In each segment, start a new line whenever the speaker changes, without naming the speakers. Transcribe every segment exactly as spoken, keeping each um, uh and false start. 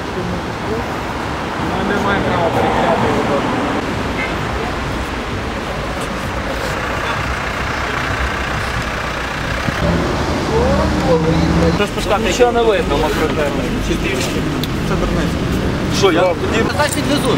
Ми не маємо права перевіряти його.
Нічого не видно.
Це дурниця.
Що, я тоді... Значить відвезу.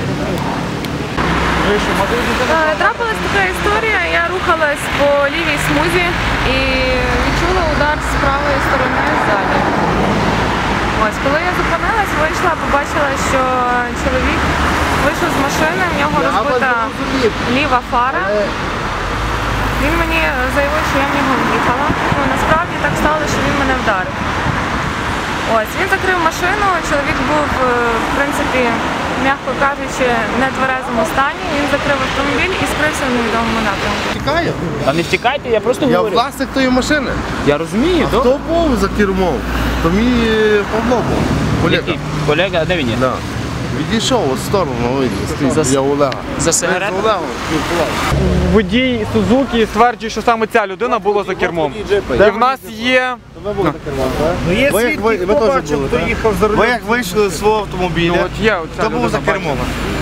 Трапилась така історія, я рухалась по лівій смузі і відчула удар з правої сторони ззаду. Ось, коли я зупинилась, вийшла, побачила, що чоловік вийшов з машини, в нього розбита ліва фара. Він мені заявив, що я в нього в'їхала. Ну, насправді так сталося, що він мене вдарив. Ось, він закрив машину, чоловік був, в принципі, м'яко кажучи, в нетверезому стані. Він закрив автомобіль і скрився в невідомому напрямку.
Втікаю?
Та не втікайте, я просто
Я
говорю.
власник тої машини.
Я розумію,
А
добре.
хто був за кермом? То мій е, Павло був. Колега.
Який? Колега, а де він є?
Да. Відійшов от сторону, видно,
За-
стоїть, я Олега.
За сигаретами?
З Олегом спілкувався.
Водій Сузуки стверджує, що саме ця людина була за кермом. І в нас є...
Ну є
Ви як
свідки,
ви- ви
хто
теж
бачив,
були,
хто
так?
їхав за
Ви
рулем.
як вийшли з свого автомобіля,
Ну от є оця
хто був за
людина,
кермом?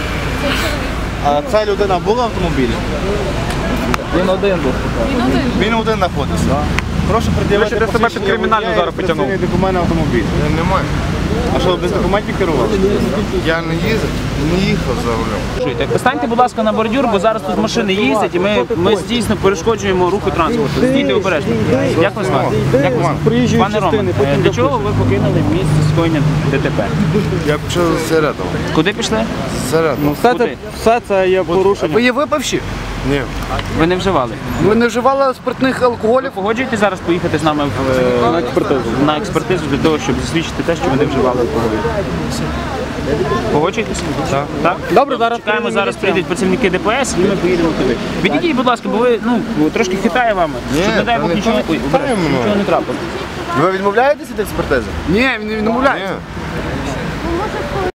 А ця людина була в автомобілі?
Він один був.
Він один знаходився. Прошу пред'явити
Ви себе під кримінальну зараз потягнув.
документ на автомобіль. Немає. А що, без документів керували? Я не їздив, не їхав за рулем.
Слухайте, Поставте, будь ласка, на бордюр, бо зараз тут машини їздять і ми, ми дійсно перешкоджуємо руху транспорту. Стійте обережно. Як вас звати? Як вас звати? Пане Роман, е, для чого ви покинули місце скоєння ДТП?
Я пішов зсередину.
Куди пішли?
Зсередину.
Все
Куди?
це, все це є порушення.
Ви є випивші?
Ні.
Ви не вживали?
Ви не вживали спиртних
Ви
алкоголів?
погоджуєтесь зараз поїхати з нами в, е, на експертизу на експертизу для того, щоб засвідчити те, що ви не вживали алкоголю? Погоджуєтесь? Так. Так?
Добре, зараз
Чекаємо, зараз прийдуть працівники ДПС і ми поїдемо туди. Відійдіть, будь ласка, бо ви ну трошки хитає вами.
Ні,
Щоб, не дай
та
Бог,
ніхто
нічого,
не
ой,
хитає
обережно,
мною.
нічого не трапилось.
Ви відмовляєтесь від експертизи?
Ні, він не відмовляється.
Ні.